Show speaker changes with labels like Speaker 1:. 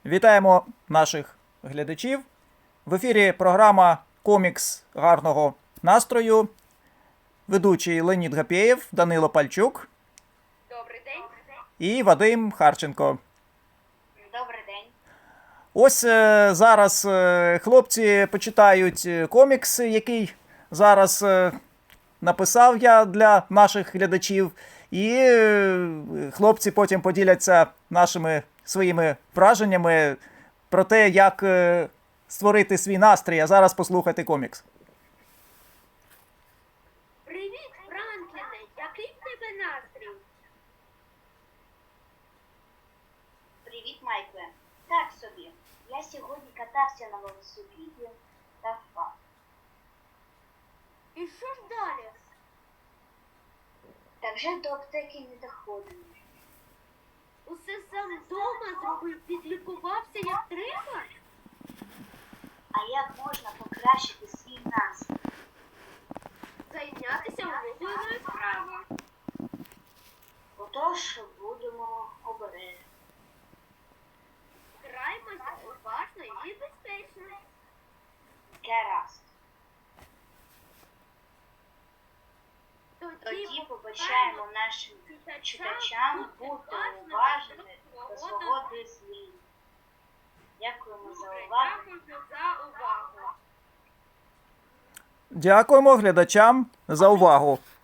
Speaker 1: Вітаємо наших глядачів. В ефірі програма «Комікс гарного настрою». Ведучий Леонід Гапєєв, Данило Пальчук.
Speaker 2: Добрий день.
Speaker 1: І Вадим Харченко.
Speaker 2: Добрий день.
Speaker 1: Ось зараз хлопці почитають комікс, який зараз написав я для наших глядачів. І хлопці потім поділяться нашими своїми враженнями про те, як створити свій настрій. А зараз послухайте комікс.
Speaker 2: Привіт, Франкліне. Який в тебе настрій?
Speaker 3: Привіт, Майкле. Так собі. Я сьогодні катався на велосипеді та впав.
Speaker 2: І що ж далі?
Speaker 3: Та вже до аптеки не доходимо.
Speaker 2: Усе сам вдома зробив, підлікувався як треба?
Speaker 3: А як можна покращити свій настрій?
Speaker 2: Зайнятися улюбленою справою.
Speaker 3: Отож, будемо обережні.
Speaker 2: Граймося уважно і безпечно.
Speaker 3: Гаразд. Тоді побачаємо нашим читачам бути уважними до свого дозвілля. Дякуємо за увагу.
Speaker 2: Дякую за увагу.
Speaker 1: Дякуємо глядачам за увагу.